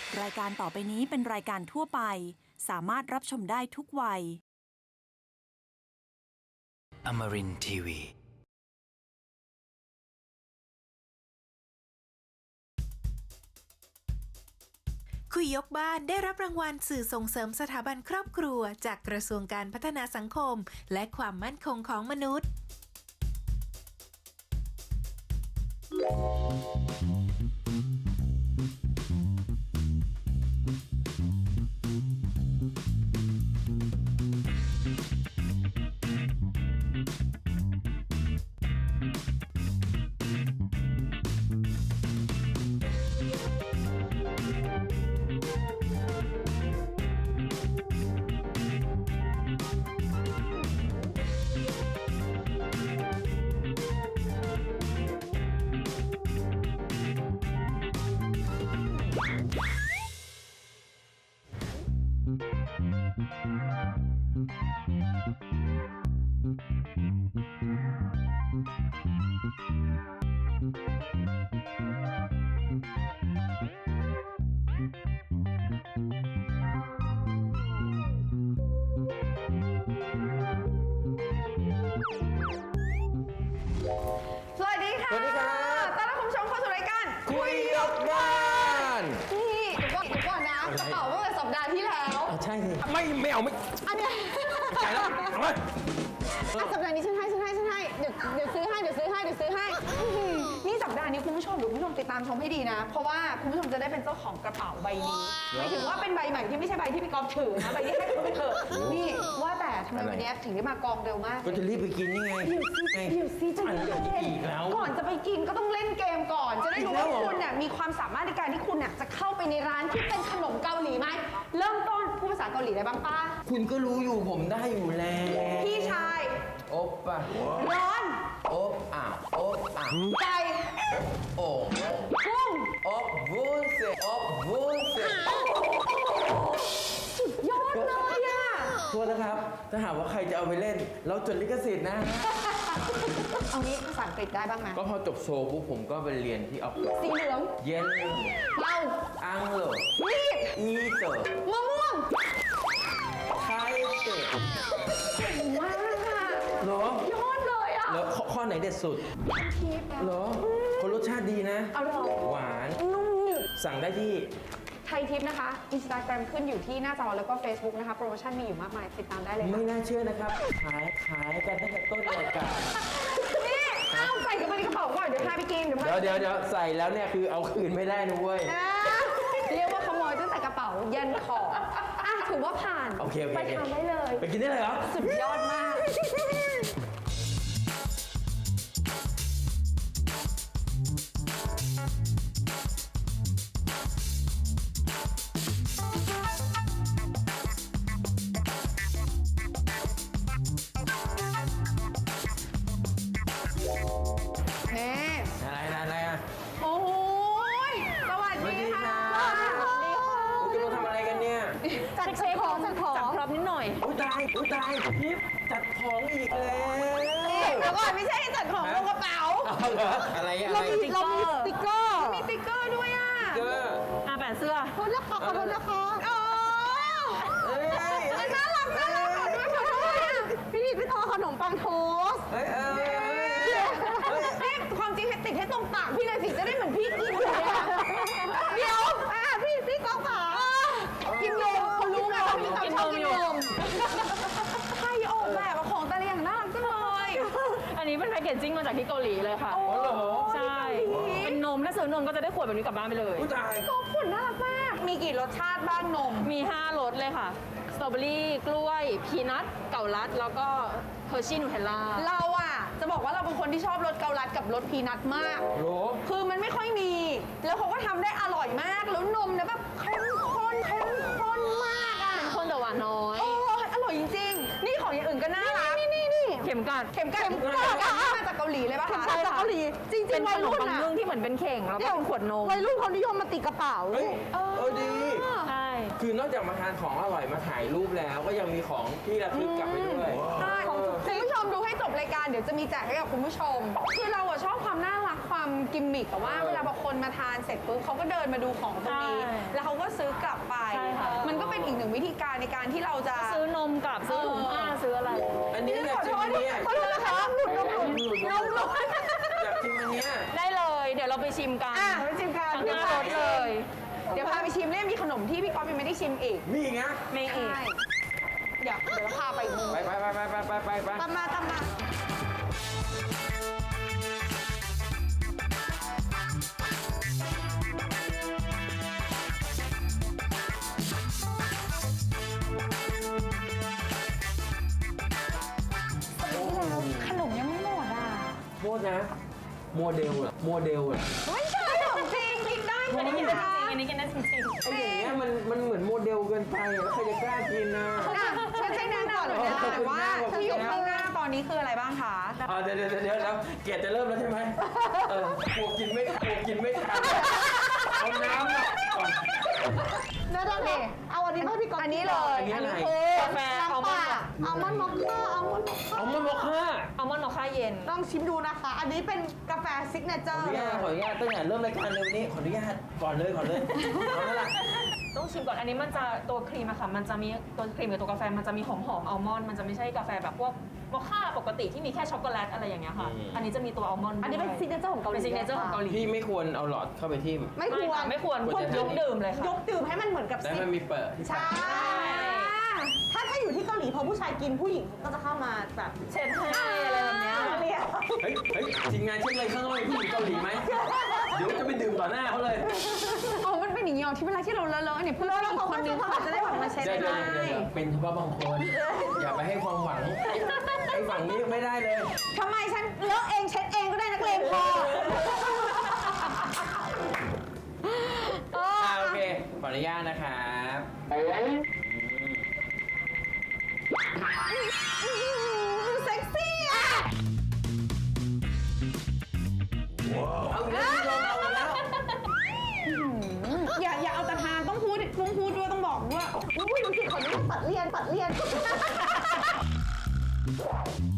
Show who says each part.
Speaker 1: รายการต่อไปนี้เป็นรายการทั่วไปสามารถรับชมได้ทุกวัย
Speaker 2: Amarin Tiwi
Speaker 3: คุยยกบ้านได้รับรางวัลสื่อส่งเสริมสถาบันครอบครัวจากกระทรวงการพัฒนาสังคมและความมั่นคงของมนุษย์
Speaker 4: สวัสดีค่ะ
Speaker 5: สวัสดีครับ
Speaker 4: ต้อนรับคุณผู้ชมเข้าสู่รายการ
Speaker 5: คุยยกบ้าน
Speaker 4: นี่เดี๋ยวก่อนนะกระเป๋าเมื่อสัปดาห์ที่แล้ว
Speaker 5: ใช่ไม่เอาไม่
Speaker 4: อันเนี้ย
Speaker 5: ใจแล้วเอาไว้
Speaker 4: สัปดาห์นี้ฉันให้เดี๋ยวซื้อให้นี่สัปดาห์นี้คุณผู้ชมติดตามชมให้ดีนะ เพราะว่าคุณผู้ชมจะได้เป็นเจ้าของกระเป๋าใบนี้หมายถึงว่าเป็นใบใหม่ที่ไม่ใช่ใบที่พี่ก๊อฟถือนะใบที่ให้คุณไปเถอะนี่ว่าแต่ทำไมวันนี้ถึงได้มากองเร็วมาก
Speaker 5: ก็จะรีบไปกินนี่ไง
Speaker 4: เดี๋ยวซิจะ
Speaker 5: อะไรอีกแล้ว
Speaker 4: ก่อนจะไปกินก็ต้องเล่นเกมก่อน จะได้รู้ว่าคุณน่ะมีความสามารถในการที่คุณน่ะจะเข้าไปในร้านที่เป็นขนมเกาหลีไหมเริ่มต้นพูดภาษาเกาหลีได้บ้างป้า
Speaker 5: คุณก็รู้อยู่ผมได้อยู่แล้ว
Speaker 4: พี่ชาย
Speaker 5: โอ๊บป่ะ
Speaker 4: ร้อน
Speaker 5: โอ๊บอ่ะโอ๊บอ่ะ
Speaker 4: ไก่
Speaker 5: โอ่ง
Speaker 4: กุ้ง
Speaker 5: โอ๊บวุ้นเส้นโอ๊บวุ้นเส้น
Speaker 4: สุดยอดเลยอ่ะ
Speaker 5: โทษนะครับ ถ้าหากว่าใครจะเอาไปเล่น เราจดลิขสิทธิ์นะ
Speaker 4: เอางี้ภาษาอังกฤษได้บ้างไหม
Speaker 5: ก็พอจบโชว์ปุ๊บผมก็ไปเรียนที่ออฟฟิศ
Speaker 4: สีเหลือง
Speaker 5: เย็น
Speaker 4: เมา
Speaker 5: อังโล
Speaker 4: มีด
Speaker 5: อีเตอร์
Speaker 4: มะม่วง
Speaker 5: ไทเตอร์
Speaker 4: เก่งมากค่ะ
Speaker 5: เหรอย
Speaker 4: อดเลยอ่ะ
Speaker 5: แล้วข้อไหนเด็ดสุด
Speaker 4: ทิพย์
Speaker 5: เหรอคนรสชาติดีนะ
Speaker 4: อร่อย
Speaker 5: หวาน
Speaker 4: นุ่มหนึบ
Speaker 5: สั่งได้ที่
Speaker 4: ไทยทิปนะคะ Instagram ขึ้นอยู่ที่หน้าจอแล้วก็ Facebook นะคะ โปรโมชั่นมีอยู่มากมาย ติดตามได้เลย
Speaker 5: ไม่
Speaker 4: ค่ะ
Speaker 5: น่าเชื่อนะครับ ขายกันตั้งแต่ต้นรายการ
Speaker 4: นี่เอาใส่กันไปในกระเป๋าก่อน เดี๋ยวพาไปกิน
Speaker 5: เดี๋ยวใส่แล้วเนี่ยคือเอาคืนไม่ได้นะเว้ย
Speaker 4: อ่าเรียกว่าขโมยตั้งแต่กระเป๋ายันคออ่ะถือว่าผ่าน
Speaker 5: โอเค
Speaker 4: ไปทานได้เลย
Speaker 5: ไปกินได้เลยเหรอ
Speaker 4: สุดยอดมาก นี่
Speaker 5: อะไรอ่ะ
Speaker 4: โอ้โหยสวัสดีค่ะ
Speaker 5: สวัสดีค่ะ คุณจะมาทำอะไรกันเนี่ย
Speaker 4: จัดของจัดพร็อพนิดหน่อย
Speaker 5: อุ้ยตายพิบจัดของอีกแล้ว
Speaker 4: เดี๋ยวก่อนไม่ใช่จัดของลงกระเป๋า
Speaker 5: เอาเหรออะไร
Speaker 4: เรามีสติ๊กเกอร์ มีสติ๊กเกอร์ด้วยอ่ะ
Speaker 5: เกอร์
Speaker 4: แปะเสื้อขอโทษนะคะขอโทษนะคะโอ้
Speaker 5: เอ้ย
Speaker 4: น่ารักขอโทษพี่นิดพี่ทอขนมปังโทส
Speaker 5: เฮ้ย
Speaker 4: นี่ความจริงให้ติดให้ตรงปากพี่เลยสิจะได้เหมือนพี่กินเลยอะเดี๋ยวพี่ก๊อฟขากินนมเขารู้ไงว่าพี่ก๊อฟชอบกินนมใครออกแบบของแต่ละอย่างน่ารักจังเลย
Speaker 6: อันนี้เป็นแพคเกจจิ้งมาจากที่เกาหลีเลยค่ะ
Speaker 5: อ๋อเหรอ
Speaker 6: ใช่ เป็นนมถ้าซื้อนมก็จะได้ขวดแบบนี้กลับบ้านไปเลย
Speaker 5: อุ้ยตาย
Speaker 4: ก๊อฟผลน่ารักมากมีกี่รสชาติบ้างนม
Speaker 6: มี 5 รสเลยค่ะ สตรอเบอรี่ กล้วย พีนัท เก่าลัด แล้วก็เฮอร์ชี่นูเทลล่า
Speaker 4: เราอ่ะจะบอกว่าเราเป็นคนที่ชอบรสเกาลัดกับรสพีนัทมาก
Speaker 5: โห
Speaker 4: คือมันไม่ค่อยมี แล้วเขาก็ทำได้อร่อยมาก แล้วนมเนี่ยแบบเข้มข้นมากอ่ะ
Speaker 6: คนแต่หวานน้อย
Speaker 4: โอ้ยอร่อยจริงๆ นี่ของอย่างอื่นก็น่ารักนี่
Speaker 6: เข็มกัด
Speaker 4: เข็มกัดมาจากเกาหลีเลยป่ะคะ
Speaker 6: ใช่ค่ะ
Speaker 4: เกาหลีจริง
Speaker 6: เป็น
Speaker 4: ๆ
Speaker 6: ข
Speaker 4: วัย
Speaker 6: นม
Speaker 4: รุ่น
Speaker 6: ปัง
Speaker 4: อ่ะ
Speaker 6: นึ่งที่เหมือนเป็นเข่งแล้วก็เป็นขวดนม
Speaker 4: วัยรุ่นเขานิยมมาติดกระเป๋า
Speaker 5: เฮ้ยดี
Speaker 6: ใช่
Speaker 5: คือนอกจากมาทานของอร่อยมาถ่ายรูปแล้วก็ยังมีของที่ระลึกกลับไปด้วย
Speaker 4: ใช่คุณผู้ชมดูให้จบรายการเดี๋ยวจะมีแจกให้กับคุณผู้ชม คือเราอะชอบความน่ารักความกิมมิคแต่ว่าเวลาบางคนมาทานเสร็จปุ๊บเขาก็เดินมาดูของตรงนี้ แล้วเขาก็ซื้อกลับไป
Speaker 6: ใช่ค่ะ
Speaker 4: มันก็เป็นอีกหนึ่งวิธีการในการที่เราจะ
Speaker 6: ซื้อนมกลับซื้อถุงผ้าซื้ออะไร
Speaker 5: อันนี้อยากชิมอันเนี้ย
Speaker 4: ขอโทษนะคะหลุดนม
Speaker 5: อยากชิมอันเนี้ย
Speaker 6: ได้เลย เดี๋ยวเราไปชิมกัน
Speaker 4: อ่ะไปชิมกัน
Speaker 6: ทั้งหน้ารถเลย
Speaker 4: เดี๋ยวพาไปชิมเนี่ยมีขนมที่พี่ก๊อฟยังไม่ได้ชิมอีก
Speaker 5: มีอีกนะ
Speaker 6: มีอีก
Speaker 4: ใช่เดี๋ยวเราพาไปอีกมุม
Speaker 5: ไป
Speaker 4: ตามมาตามมาขนมยังไม่หมดอ่ะ
Speaker 5: โทษนะ โมเดลอะโมเดลอะ
Speaker 4: ไม่ใช่ขนมจริงกินได้
Speaker 6: อันนี้กินได้จริงอันนี้กินได้จริง
Speaker 5: ไอ้อย่างเงี้ยมันเหมือนโมเดลเกินไปอะแล้วใครจะกล้ากินนะ
Speaker 4: ฉันใช้แนะนำหน่อยนะแต่ว่าที่อยู่ข้างหน้าตอนนี้คืออะไรบ้างคะ
Speaker 5: เดี๋ยวเกียรติจะเริ่มแล้วใช่ไหมกลัวกินไม่ทันเอาน้ำมาก่อน
Speaker 4: นั่นเองเอาอันนี้ให้พี่ก๊อฟอันนี้เลย
Speaker 5: อันนี้อะไร
Speaker 4: คือก
Speaker 6: าแฟอัลมอนด์
Speaker 4: อัลมอนด์มอคค่าอัลมอนด์มอคค่า
Speaker 5: เอามันมอคค่า
Speaker 6: อัลมอนด์มอคค่าเย็น
Speaker 4: ลองชิมดูนะคะ อันนี้เป็นกาแฟซิกเนเจอ
Speaker 5: ขอ
Speaker 4: ร์
Speaker 5: อนุญาตตั้งแต่เริ่มรายการเลยวันนี้ขออนุญาตก่อนเลยเอาแล้วล่ะ
Speaker 6: ต้องชิมก่อน อันนี้มันจะตัวครีมอะค่ะ มันจะมีตัวครีมกับตัวกาแฟ มันจะมีหอมอัลมอนด์ มันจะไม่ใช่กาแฟแบบพวกมอคค่าปกติที่มีแค่ช็อกโกแลตอะไรอย่างเงี้ยค่ะ อันนี้จะมีตัวอัลมอนด์
Speaker 4: อันนี้เป็นซิกเนเจอร์ของเกาหลี
Speaker 6: เป็นซิกเนเจอร์ของเกาหลี
Speaker 5: พี่ไม่ควรเอาหลอดเข้าไปทิ่ม
Speaker 4: ไม่ควร
Speaker 6: ไม่ควร
Speaker 5: ควรจะ
Speaker 6: ยกดื่มเลยค่ะ
Speaker 4: ยกดื่มให้มันเหมือนกับ
Speaker 5: แต่
Speaker 4: ซิก
Speaker 5: มันมีเปิดที่
Speaker 4: ใช่ถ้าอยู่ที่เกาหลีพอผู้ชายกินผู้หญิงก็จะเข้ามาแบบ
Speaker 6: เช็ดให้อะไรแบบเนี้ย
Speaker 4: เรียก
Speaker 5: เฮ้ยทีมงานเช็คเลยข้างนอกมีผู้หญิงเกาหลีไหมเดี๋ยวจะไปดื่มต่อหน้าเขาเลย
Speaker 4: อ๋อมันเป็นอย่างนี้ที่เวลาที่เราเลอะๆเนี่ยเพื่อนอีกคนนึงเขาจะได้แบบมาเช็ด
Speaker 5: เดี๋ยว
Speaker 4: ให้
Speaker 5: เป็นเฉพาะบางคน อย่าไปให้ความหวังไอ้ฝั่งนี้ไม่ได้เลย
Speaker 4: ทำไมฉันเลอะเองเช็ดเองก็ได้นักเลงพอ
Speaker 5: โอเค ขออนุญาตนะครับ
Speaker 4: เซ็กซี่อ่ะ
Speaker 5: เอาอีกแล้วพี่ลงเอาอีกแล้ว
Speaker 4: อย่าเอาแต่ทานต้องพูดด้วยต้องบอกด้วยอุ้ยดูสิขออนุญาตปัดเรียน